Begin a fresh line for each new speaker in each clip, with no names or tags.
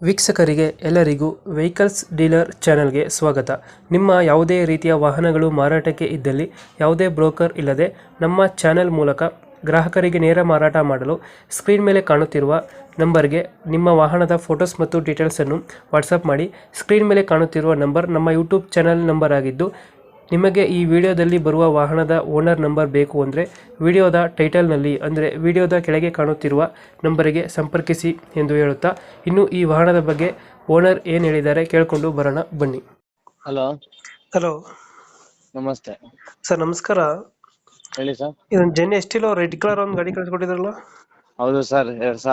ವೀಕ್ಷಕರಿಗೆ ಎಲ್ಲರಿಗೂ vehicles dealer ಚಾನೆಲ್ಗೆ ಸ್ವಾಗತ. ನಿಮ್ಮ ಯಾವುದೇ ರೀತಿಯ ವಾಹನಗಳು ಮಾರಾಟಕ್ಕೆ ಇದ್ದಲ್ಲಿ ಯಾವುದೇ ಬ್ರೋಕರ್ ಇಲ್ಲದೆ ನಮ್ಮ ಚಾನೆಲ್ ಮೂಲಕ ಗ್ರಾಹಕರಿಗೆ ನೇರ ಮಾರಾಟ ಮಾಡಲು ಸ್ಕ್ರೀನ್ ಮೇಲೆ ಕಾಣುತ್ತಿರುವ ನಂಬರ್ಗೆ ನಿಮ್ಮ ವಾಹನದ ಫೋಟೋಸ್ ಮತ್ತು ಡೀಟೇಲ್ಸನ್ನು ವಾಟ್ಸಪ್ ಮಾಡಿ. ಸ್ಕ್ರೀನ್ ಮೇಲೆ ಕಾಣುತ್ತಿರುವ ನಂಬರ್ ನಮ್ಮ ಯೂಟ್ಯೂಬ್ ಚಾನೆಲ್ ನಂಬರ್ ಆಗಿದ್ದು, ನಿಮಗೆ ಈ ವಿಡಿಯೋದಲ್ಲಿ ಬರುವ ವಾಹನದ ಓನರ್ ನಂಬರ್ ಬೇಕು ಅಂದರೆ ವಿಡಿಯೋದ ಟೈಟಲ್ನಲ್ಲಿ ಅಂದರೆ ವಿಡಿಯೋದ ಕೆಳಗೆ ಕಾಣುತ್ತಿರುವ ನಂಬರಿಗೆ ಸಂಪರ್ಕಿಸಿ ಎಂದು ಹೇಳುತ್ತಾ, ಇನ್ನು ಈ ವಾಹನದ ಬಗ್ಗೆ ಓನರ್ ಏನು ಹೇಳಿದ್ದಾರೆ ಕೇಳಿಕೊಂಡು ಬರೋಣ ಬನ್ನಿ.
ಹಲೋ
ಹಲೋ
ನಮಸ್ತೆ
ಸರ್, ನಮಸ್ಕಾರ.
ಹೇಳಿ ಸರ್.
ಇದೊಂದು ಜೆನ್ ಎಸ್ಟಿಲೋ ರೆಡ್ ಕಲರ್ ಒಂದು ಗಾಡಿ ಕಳಿಸ್ಕೊಟ್ಟಿದ್ರಲ್ಲ?
ಹೌದು ಸರ್,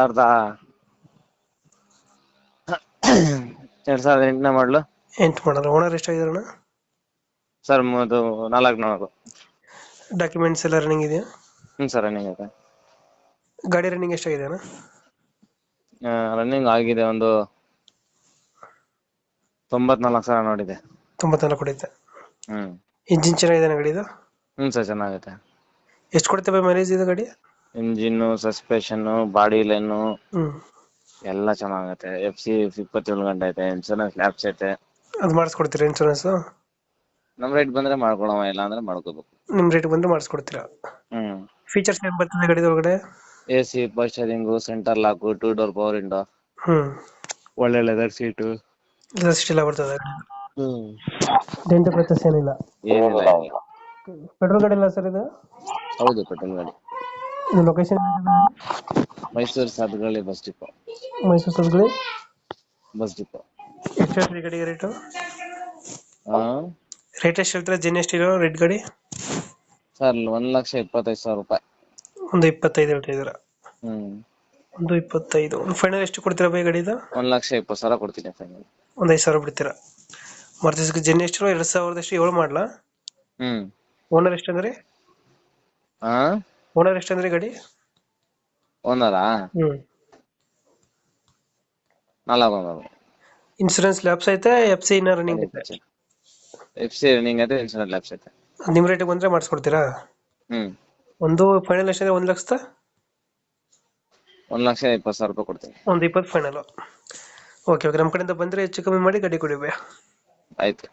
2008ನೇ ಮಾಡಲು.
8 ಮಾಡಲ್ಲ. ಓನರ್ ಎಷ್ಟಾಗಿದಾರಣ?
ಸರ್ ಅದು 4
ಡಾಕ್ಯುಮೆಂಟ್ಸ್ ಎಲ್ಲ ರನ್ನಿಂಗ್ ಇದೆಯಾ?
ಸರ್ ರನ್ನಿಂಗ್ ಇದೆ.
ಗಾಡಿ ರನ್ನಿಂಗ್ ಎಷ್ಟಾಗಿದೆ ಅಣ್ಣ?
ರನ್ನಿಂಗ್ ಆಗಿದೆ ಒಂದು 94,000 ನೋಡಿದೆ.
94 ಕೊಡುತ್ತೆ.
ಹ್ಮ್
ಇಂಜಿನ್ ಚೆನ್ನಾಗಿದೆ ಗಾಡಿದು?
ಸರ್ ಚೆನ್ನಾಗೈತೆ.
ಎಷ್ಟು ಕೊಡುತ್ತೆ ಮೈಲೇಜ್ ಇದು ಗಾಡಿ?
ಇಂಜಿನ್, ಸಸ್ಪೆಷನ್, ಬಾಡಿ ಲೈನು
ಹ್ಮ್
ಎಲ್ಲ ಚೆನ್ನಾಗೈತೆ. FC 27 ಗಂಟೆ ಐತೆ. ಇನ್ಸೂರೆನ್ಸ್ ಲ್ಯಾಬ್ಸ್ ಐತೆ.
ಅದು ಮಾಡಿಸ್ಕೊಡ್ತೀರಾ ಇನ್ಶೂರೆನ್ಸ್?
ನಮ್ ರೇಟ್ ಬಂದ್ರೆ ಮಾಡ್ಕೊಳವ, ಇಲ್ಲ ಅಂದ್ರೆ ಮಾಡ್ಕೋಬೇಕು.
ನಿಮ್ ರೇಟ್ ಬಂದ್ರೆ ಮಾಡಿಸ್ಕೊಡ್ತೀರಾ? ಫೀಚರ್ಸ್ ಏನ್ ಬರ್ತದೆ ಗಾಡಿ ಒಳಗಡೆ?
AC, power steering, centre lock, 2 door power window, ಒಳ್ಳೆ ಲೆದರ್ ಸೀಟು
ಎಲ್ಲ ಬರ್ತದೆ. ಡೆಂಟ್ ಪ್ರಚಸ್ ಏನಿಲ್ಲ?
ಏನಿಲ್ಲ.
ಪೆಟ್ರೋಲ್ ಗಾಡಿ ಇಲ್ಲ ಸರ್ ಇದು?
ಹೌದು, ಪೆಟ್ರೋಲ್ ಗಾಡಿ.
ಇದು ಲೊಕೇಶನ್
ಮೈಸೂರು ಸಾಧುಗಳಿ ಬಸ್ ಡಿಪೋ.
ಮೈಸೂರು ಸದ್ಗುಳಿ
ಬಸ್ ಡಿಪೋ.
ಎಷ್ಟು ಹೇಳ್ತೀರಿ ಗಾಡಿಗೆ ರೇಟು?
ಹಾ
ರೇಟ್ ಎಷ್ಟು ಹೇಳ್ತೀರಾ ಜೆನ್ ಎಷ್ಟಿರೋ ರೆಡ್ ಗಾಡಿ?
ಸರ್ 1,25,000 ರೂಪಾಯಿ.
ಒಂದು 25 ಹೇಳ್ತಾ ಇದ್ದೀರಾ? ಒಂದು 25. ಒಂದು ಫೈನಲ್ ಎಷ್ಟು ಕೊಡ್ತೀರಾ ಬೈ ಗಾಡಿದು?
1,20,000 ಕೊಡ್ತೀನಿ ಫೈನಲ್.
ಒಂದು 5,000 ಬಿಡ್ತೀರಾ? ಮಾರುತಿ ಜೆನ್ ಎಷ್ಟಿರೋ 2007 ಮಾಡಲಾ? ಓನರ್ ಎಷ್ಟಂದ್ರಿ? ಓನರ್ ಎಷ್ಟಂದ್ರಿ ಗಾಡಿ?
ಓನರಾ? 4
ಇನ್ಸೂರೆನ್ಸ್ ಲ್ಯಾಪ್ಸ್ ಐತೆ? FC ಇನ್ನ ರನ್ನಿಂಗ್ ಐತೆ?
FC ರನ್ನಿಂಗ್ ಐತೆ, ಇನ್ಸೂರೆನ್ಸ್ ಲ್ಯಾಬ್ಸ್ ಐತೆ.
ನಿಮ್ ರೇಟಿಗೆ ಬಂದ್ರೆ ಮಾಡಿಸ್ಕೊಡ್ತೀರಾ? ಒಂದು ಫೈನಲ್ ಎಷ್ಟಿದೆ? 1,00,000?
1,20,000 ರೂಪಾಯಿ ಕೊಡ್ತೀನಿ.
ಒಂದು 20 ಫೈನಲ್. ಓಕೆ, ನಮ್ಮ ಕಡೆಯಿಂದ ಬಂದ್ರೆ ಹೆಚ್ಚು ಕಮ್ಮಿ ಮಾಡಿ ಗಾಡಿ ಕೊಡಿ ಬೈ.
ಆಯ್ತು.